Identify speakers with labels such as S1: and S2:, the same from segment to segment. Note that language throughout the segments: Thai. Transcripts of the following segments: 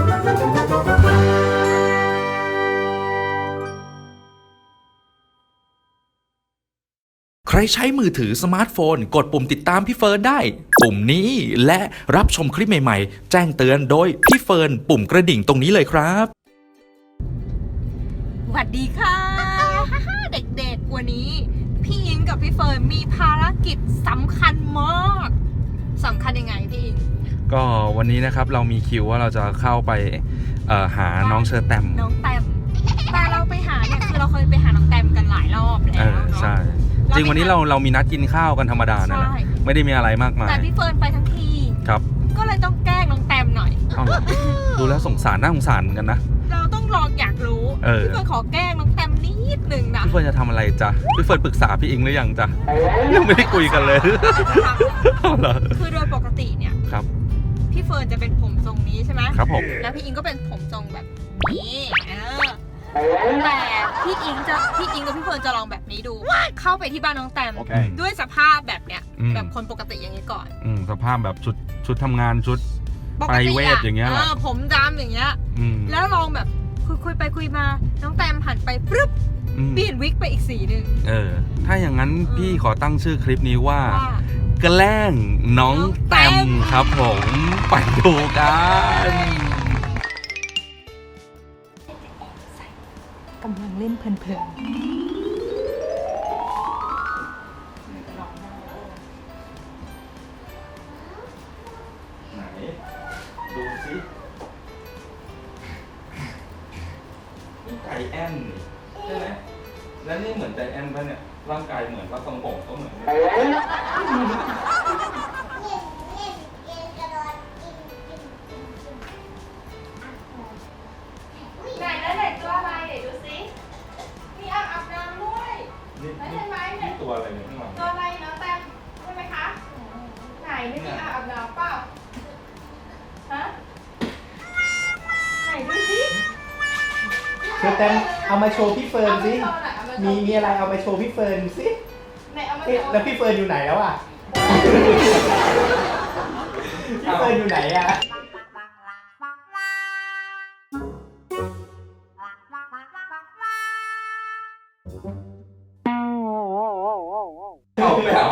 S1: ใครใช้มือถือสมาร์ทโฟนกดปุ่มติดตามพี่เฟิร์นได้ปุ่มนี้และรับชมคลิปใหม่ๆแจ้งเตือนโดยพี่เฟิร์นปุ่มกระดิ่งตรงนี้เลยครับ
S2: สวัสดีค่ะ เด็กๆวันนี้พี่อิงกับพี่เฟิร์นมีภารกิจสำคัญมากสำคัญยังไงพี่อิง
S3: ก็วันนี้นะครับเรามีคิวว่าเราจะเข้าไปหาน้องเชอแตม
S2: แต่เราไปหาเนี่ยคือเราเคยไปหาน้องแตมกันหลายรอบแล้วเนาะ
S3: ใช่จริงวันนี้เรามีนัดกินข้าวกันธรรมดานะไม่ได้มีอะไรมากมาย
S2: แต่พี่เฟิร์นไปทั้งที
S3: ครับ
S2: ก็เลยต้องแกล้งน้องแตมหน่อย
S3: ดูแล้วสงสารน่าสงสารกันนะ
S2: เราต้องลองอยากรู้พี่เฟิร์นขอแกล้งน้องแตมนิดนึงนะ
S3: พี่เฟิร์นจะทำอะไรจ๊ะพี่เฟิร์นปรึกษาพี่อิงหรือยังจ๊ะยังไม่ได้คุยกันเลย
S2: คือโดยปกติเนี่ย
S3: ครับ
S2: พี่เฟิร์นจะเป็นผมทรงนี้ใช่ไหม
S3: ครับผม
S2: แล้วพี่อิงก็เป็นผมทรงแบบนี้แต่พี่อิงกับพี่เฟิร์นจะลองแบบนี้ดูเข้าไปที่บ้านน้องแตมด้วยสภาพแบบเนี้ยแบบคนปกติอย่างนี้ก่อน
S3: สภาพแบบชุดทำงานชุดไปเวทอย่างเงี้ย
S2: ผมดำอย่างเงี้ยแล้วลองแบบคุยไปคุยมาน้องแตมหันไปปึ๊บเปลี่ยนวิกไปอีกสีนึง
S3: ถ้าอย่างนั้นพี่ขอตั้งชื่อคลิปนี้ว่าแกล้งน้องแตมครับผมไปดูกัน
S2: กำลังเล่นเพลิน
S3: ไหนดูสินี่ไก่แอนใช่ไหมแล้วนี่เหมือนใจแอนป่ะเนี่ยร่างกายเหมือนว่าทรงผมก็เหมือนตัวอะไรเนี่ยข้างหลัง
S2: ตัวอะไรน้องแตมใช่ไหมคะไหนไม่มีอาบน้ำเปล่าฮะไหนดูสิ
S4: เชอแตมเอามาโชว์พี่เฟิร์นสิมีอะไรเอามาโชว์พี่เฟิร์นสิแล้วพี่เฟิร์นอยู่ไหนแล้วอ่ะพี่เฟิร์นอยู่ไหนอ่ะ
S3: ไม่เอา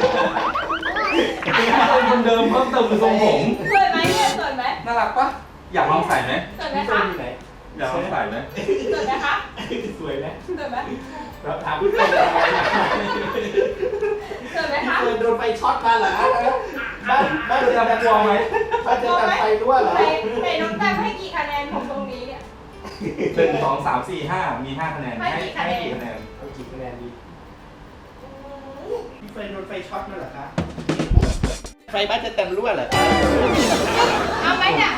S3: คนเดิมเพิ่มเติมคือทรงผม
S2: สวยไหมเนี่ยสวยไหม
S3: น่ารักปะอยากลองใส่ไหม
S2: สวยไหมคะ
S3: อยากลองใส่ไหม
S2: สวยไหมคะ
S4: สวยไหม
S2: สวยไหม
S4: เราถามพี่เฟิร์นอะไร
S2: สวยไหมคะ
S4: พี่เฟิร์นโดนไฟช็อตมาเหรอบ้านจะกลัวไหมบ้านจะตัดไฟรั่วเหรอ
S2: ไหนน้องแตมให้กี่คะแนนผมตรงนี้เนี่ย
S3: 1 2 3 4 5มี5 คะแนนให้กี่คะแนน
S4: กี่คะแนนดีพี่เฟิร์นโดนไฟช็อตมาเหรอคะไฟบ้านจะเต็มรั่วเหรอ
S2: เอาไหมเนี่ย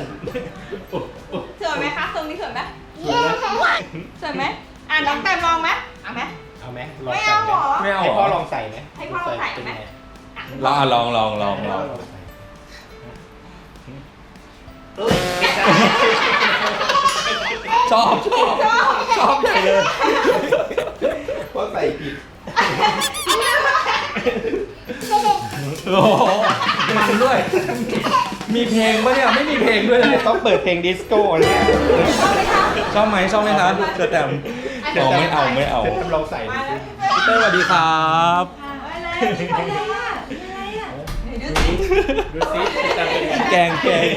S2: สวยไหมคะตรงนี้สวยไหมสวยไหมน้องแตมลองไหมเอาไหมไม่เอาหรอ
S4: ให้พ่อลองใส่ไหม
S2: ให้พ่อลองใส่ไหม
S3: ลองชอบใหญ่เลย
S4: เพราะใส่ผิด
S3: โอ้โหมันด้วยมีเพลงปะเนี่ยไม่มีเพลงด้วยเลย
S4: ต้องเปิดเพลงดิสโก้เนี่ย
S3: ชอบไหมคะเชอแตมไม่เอา
S4: ลองใส่
S3: พี่เต้สวัสดีครับ
S4: ดูสิ
S3: แกง
S4: แดน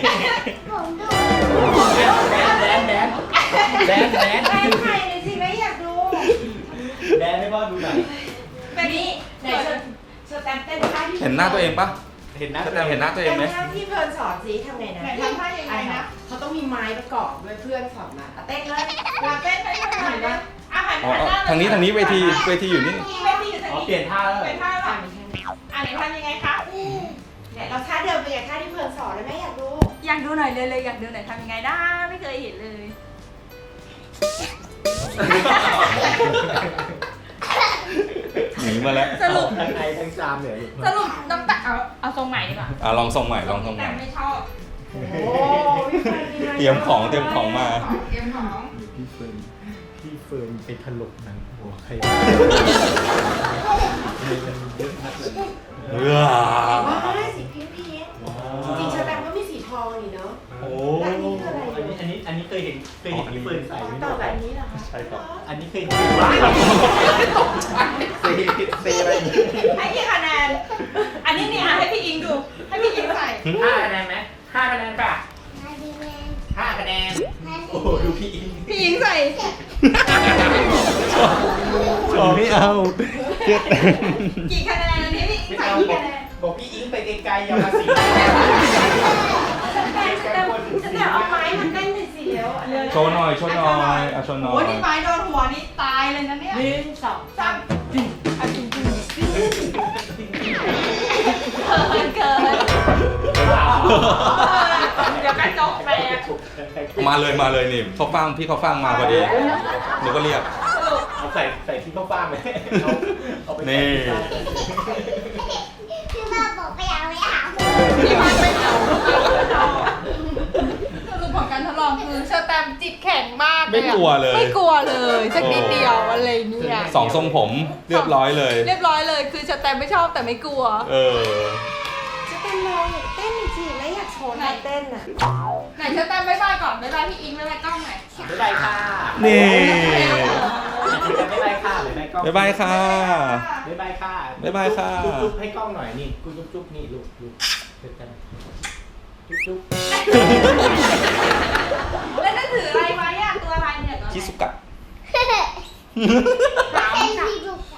S2: ใครเลยสิไม่อยากดู
S4: แดนให้พ่อดูหน่อย
S2: แบบนี้ไหนเชอแตมเต้นท่าที่
S3: เห็นหน้าตัวเองปะ
S4: เห็นหน้า
S3: ตัวเองไหม
S5: ท่าที่เพื่อนสอนสิทำไงนะ
S2: ทำท่ายังไงนะ
S5: เขาต้องมีไม้ประกอบด้วยเพื่อนสอนมาเต้นเลย
S2: เต้นให้ทำไมนะ
S3: ทางนี้เวทีอยู่นี่
S4: เปลี่ยนท่าแล้ว
S2: เปลี่ยนท่าแล้วไหนทำยังไงคะ
S5: เนี่ยเราท่าเดิมเป็นไงท่าที่เพื่อนสอนเลยไหมอยาก
S2: ดูหน่อยเลยอยากดูหน่อยทำยังไงได้ไม่เคยเห็นเลย
S3: หนีมาแล้ว
S2: สรุป
S4: ทั้งไอทั้งจามเลย
S2: สรุปน้ำตาเอาทรงใหม่ดีกว่า
S3: ลองทรงใหม่
S2: แต่ไม่ชอบ
S3: เตรียมของมา
S2: เตรียมของ
S4: พี่เฟิร์นไปถลกหนังหัวใคร
S5: สีพิงค์จริงๆเชอแตมก็มีสีทองนี่เนาะ
S4: โอ้
S5: แล้วอันนี้คืออะไร
S4: อันนี้เคยเห็นพี่เฟิร์นใส่ไหม
S5: ต่อแบบนี้เหรอคะ
S4: ใช่ครับอันนี้เคยเห็นว้าวเซอะไร
S5: ให้กี่คะแนน อันนี้เนี่ยให้พี่อิงดู ให้พี่อิงใส่
S4: 5 คะแนนไหม5 คะแนนป่ะ5 คะแนนโอ้โหดูพี่อิง
S5: พี่อิงใส่
S4: ไม่เอาเจ็ด
S5: กี่คะแนนอันนี้พี่อิง
S4: ไม่
S5: ใส่
S4: เอา
S5: กี่
S4: บอก
S5: คะแนน
S4: บอกพี่อิงไปไกลๆอย่ามาสิ
S5: แต่เอาไม้มันเต้นหน่อยสิเดี๋ยวอันนี้
S3: โชว์หน่อยโชว์หน่อยอ่ะโชว์หน่อ
S5: โอ้ย
S3: ย
S5: นี่ไม้โดนหัวนี่ตายเลยนะเนี่ย1 2 3เกินเดี๋ยวกระจกแตก
S3: มาเลยนี่เขาฟังพี่เขาฟังมาพอดีหนูก็เรียก
S4: เอาใส่ที่เขาฟ้างไหมเอาไป
S3: นี่
S2: ที่บ้านไม่เอาสรุปของการทดลองคือเชอร์แตมจิตแข็งมากเลย
S3: ไม่กลัวเลย
S2: ไม่กลัวเลยสักนิดเดียวอะไรเนี่ย
S3: สองทรงผมเรียบร้อยเลย
S2: เรียบร้อยเลยคือเชอร์แตมไม่ชอบแต่ไม่กลัว
S3: เออ
S5: จะเป็นลองเต้นจริงๆแล้วอยากโชว์ท่าเต้นอ่ะ
S2: ไหนเชอร์แตมบ๊ายบายก่อนบ๊ายบายพี่อิงบ๊ายบายกล้องหน่อย
S4: บ๊ายบายค่ะ
S3: นี่
S4: บ๊ายบายค่ะบ๊ายบายกล้อง
S3: บ๊ายบายค่ะ
S4: บ๊ายบายค่ะ
S3: บ๊ายบายค่ะ
S4: จุ๊บๆให้กล้องหน่อยนี่กูจุ๊บๆนี่ลูกเจอกันจุ๊บ
S5: แล้วนั่นถืออะไรไว้อะตัวอะไรเนี่ย
S3: คิสุกะ
S5: ถามค่ะ